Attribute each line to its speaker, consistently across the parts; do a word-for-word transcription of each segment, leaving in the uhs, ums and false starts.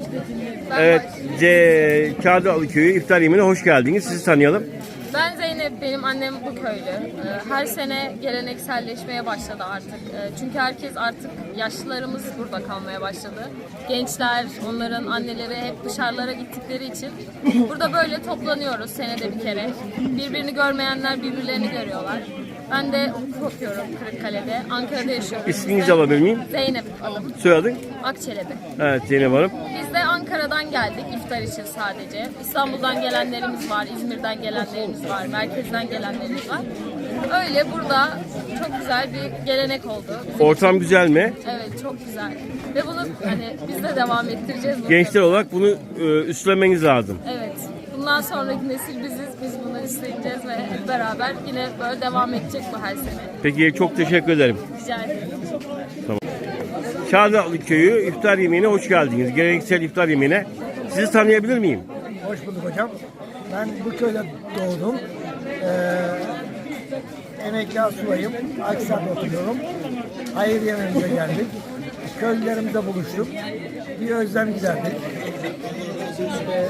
Speaker 1: Evet, C Kağıdıalı Köyü iftar yemeğine hoş geldiniz. Sizi tanıyalım.
Speaker 2: Ben Zeynep, benim annem bu köylü. Her sene gelenekselleşmeye başladı artık. Çünkü herkes artık, yaşlılarımız burada kalmaya başladı. Gençler, onların anneleri hep dışarılara gittikleri için burada böyle toplanıyoruz senede bir kere. Birbirini görmeyenler birbirlerini görüyorlar. Ben de hukuk okuyorum Kırıkkale'de. Ankara'da yaşıyorum.
Speaker 1: İsminizi alabilir miyim?
Speaker 2: Zeynep adım.
Speaker 1: Soyadın?
Speaker 2: Akçelebi.
Speaker 1: Evet, Zeynep Hanım.
Speaker 2: Biz de Ankara'dan geldik iftar için sadece. İstanbul'dan gelenlerimiz var, İzmir'den gelenlerimiz var, merkezden gelenlerimiz var. Öyle burada çok güzel bir gelenek oldu. Bizim
Speaker 1: Ortam güzel mi?
Speaker 2: Evet, çok güzel. Ve bunu hani biz de devam ettireceğiz. Bunu.
Speaker 1: Gençler olarak bunu e, üstlenmeniz lazım.
Speaker 2: Evet. Bundan sonraki nesil biziz. Biz bunu üstleneceğiz ve hep beraber yine böyle devam edecek bu her sene.
Speaker 1: Peki, çok teşekkür ederim.
Speaker 2: Rica ederim.
Speaker 1: Tamam. Kağıdıalı Köyü iftar yemeğine hoş geldiniz. Geleneksel iftar yemeğine. Sizi tanıyabilir miyim?
Speaker 3: Hoş bulduk hocam. Ben bu köyde doğdum. Ee, emekli asubayım. Aksar'da oturuyorum. Hayır yemeğimize geldik. Köylülerimizle buluştuk. Bir özlem giderdik. Ee,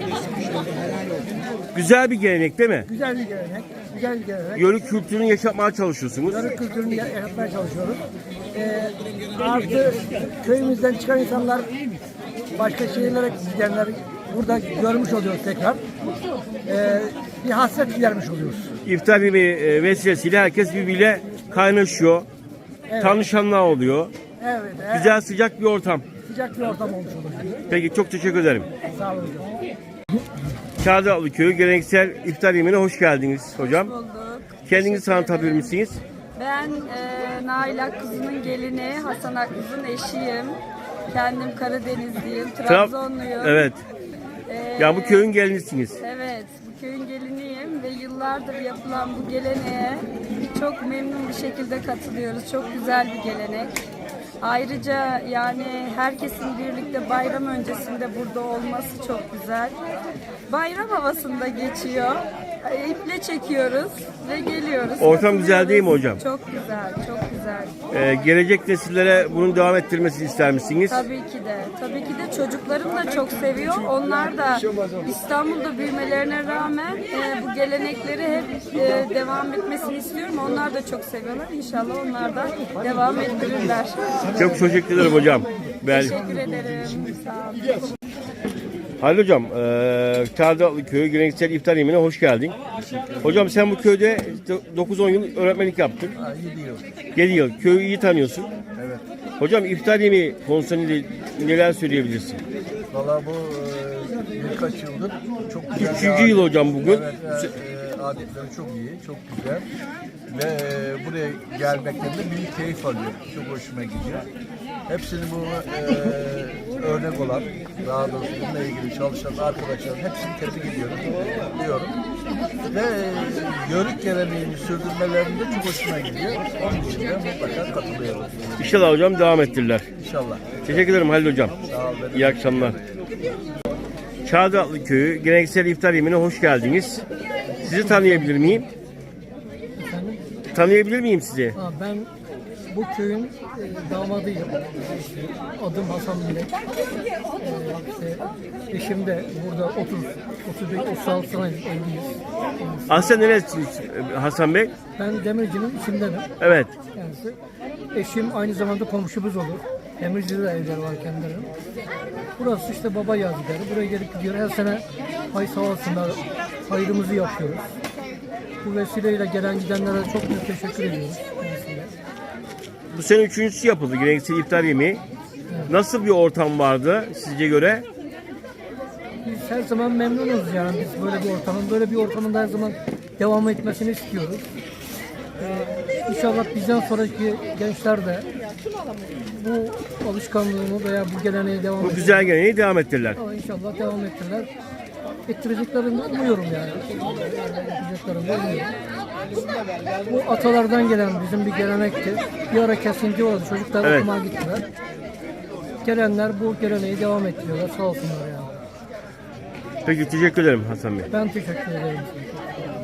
Speaker 1: Güzel bir gelenek değil mi?
Speaker 3: güzel bir gelenek. Güzel bir gelenek.
Speaker 1: Yörük kültürünü yaşatmaya çalışıyorsunuz.
Speaker 3: Yörük kültürünü yaratmaya çalışıyoruz. Ee, artı köyümüzden çıkan insanlar başka şehirlere gidenler burada görmüş oluyoruz tekrar. Ee, bir hasret gidermiş oluyoruz.
Speaker 1: İftar yemeği e, vesilesiyle herkes birbiriyle kaynaşıyor.
Speaker 3: Evet.
Speaker 1: Tanışanlar oluyor.
Speaker 3: Evet. evet.
Speaker 1: Güzel, sıcak bir ortam.
Speaker 3: Sıcak bir ortam olmuş olur.
Speaker 1: Peki, çok teşekkür ederim.
Speaker 3: Sağ olun hocam.
Speaker 1: Kağıdıalı Köyü geleneksel iftar yemeğine hoş geldiniz hocam.
Speaker 4: Bulduk.
Speaker 1: Kendinizi tanıtabilir misiniz?
Speaker 4: Ben e, Nail Akkuz'un gelini, Hasan Akkuz'un eşiyim. Kendim Karadenizliyim, Trabzonluyum.
Speaker 1: Evet.
Speaker 4: E,
Speaker 1: Ya bu köyün gelinisiniz.
Speaker 4: Evet, bu köyün geliniyim ve yıllardır yapılan bu geleneğe çok memnun bir şekilde katılıyoruz. Çok güzel bir gelenek. Ayrıca yani herkesin birlikte bayram öncesinde burada olması çok güzel. Bayram havasında geçiyor. İple çekiyoruz ve geliyoruz.
Speaker 1: Ortam güzel değil mi hocam?
Speaker 4: Çok güzel, çok güzel.
Speaker 1: Ee, gelecek nesillere bunun devam ettirmesini ister misiniz?
Speaker 4: Tabii ki de. Tabii ki de çocuklarım da çok seviyor. Onlar da İstanbul'da büyümelerine rağmen e, bu gelenekleri hep e, devam etmesini istiyorum. Onlar da çok seviyorlar. İnşallah onlar da devam ettirirler.
Speaker 1: Çok teşekkür ederim hocam. Ben...
Speaker 4: Teşekkür ederim. Sağ olun.
Speaker 1: Halil hocam, e, Kağıdıalı Köyü geleneksel iftar yemeğine hoş geldin. Hocam, sen bu köyde dokuz on yıl öğretmenlik yaptın.
Speaker 5: yedi yıl.
Speaker 1: yedi yıl. Köyü iyi tanıyorsun.
Speaker 5: Evet.
Speaker 1: Hocam, iftar yemeği konusunda neler söyleyebilirsin?
Speaker 5: Valla bu e, birkaç yıldır çok güzel.
Speaker 1: Üçüncü
Speaker 5: bir
Speaker 1: yıl
Speaker 5: adet.
Speaker 1: hocam bugün.
Speaker 5: Evet, e, adetleri çok iyi, çok güzel. Ve e, buraya gelmekten de büyük keyif alıyorum. Çok hoşuma gidiyor. Hepsini bu e, örnek olan, daha doğrusu bununla ilgili çalışan arkadaşlarım hepsini tebrik ediyorum diyorum. Ve e, yörük geleneğini sürdürmelerinde çok hoşuma gidiyor. Onun için de mutlaka katılıyorum.
Speaker 1: İnşallah hocam devam ettirirler.
Speaker 5: İnşallah.
Speaker 1: Teşekkür ederim Halil hocam.
Speaker 5: Sağ olun.
Speaker 1: İyi akşamlar. Kağıdıalı Köyü geleneksel iftar yemeğine hoş geldiniz. Sizi tanıyabilir miyim? Tanıyabilir miyim sizi?
Speaker 3: Ha, ben bu köyün e, damadıyım. Adım Hasan Bilek. E, işte, eşim de burada otuz, otuz beş, otuz altı sene evliyiz.
Speaker 1: Aslen neresiniz Hasan Bey?
Speaker 3: Ben demircinin içindenim
Speaker 1: Evet.
Speaker 3: kendisi. Eşim aynı zamanda komşumuz olur. Demirci'de de evler var kendilerinin. Burası işte baba yazıları. Buraya gelip gidiyor. Her sene hay sağ olsunlar, hayrımızı yapıyoruz. Bu vesileyle gelen gidenlere çok büyük teşekkür ediyoruz. Kendisine.
Speaker 1: Bu sene üçüncüsü yapıldı geleneksel iftar yemeği. Nasıl bir ortam vardı sizce göre?
Speaker 3: Biz her zaman memnunuz yani biz böyle bir ortamın, böyle bir ortamın her zaman devam etmesini istiyoruz. Ee, İnşallah bizden sonraki gençler de bu alışkanlığını veya bu geleneği devam
Speaker 1: Bu
Speaker 3: ettirirler.
Speaker 1: güzel geleneği devam ettirirler.
Speaker 3: Ama İnşallah devam ettirirler. Ettireceklerini umuyorum yani. Ettireceklerini umuyorum. Bu atalardan gelen bizim bir gelenekti. Bir ara kesinti oldu. Çocuklar
Speaker 1: Evet.
Speaker 3: okumaya gittiler. Gelenler bu geleneği devam ettiriyorlar. Sağ olsunlar yani.
Speaker 1: Peki, teşekkür ederim Hasan Bey.
Speaker 3: Ben teşekkür ederim.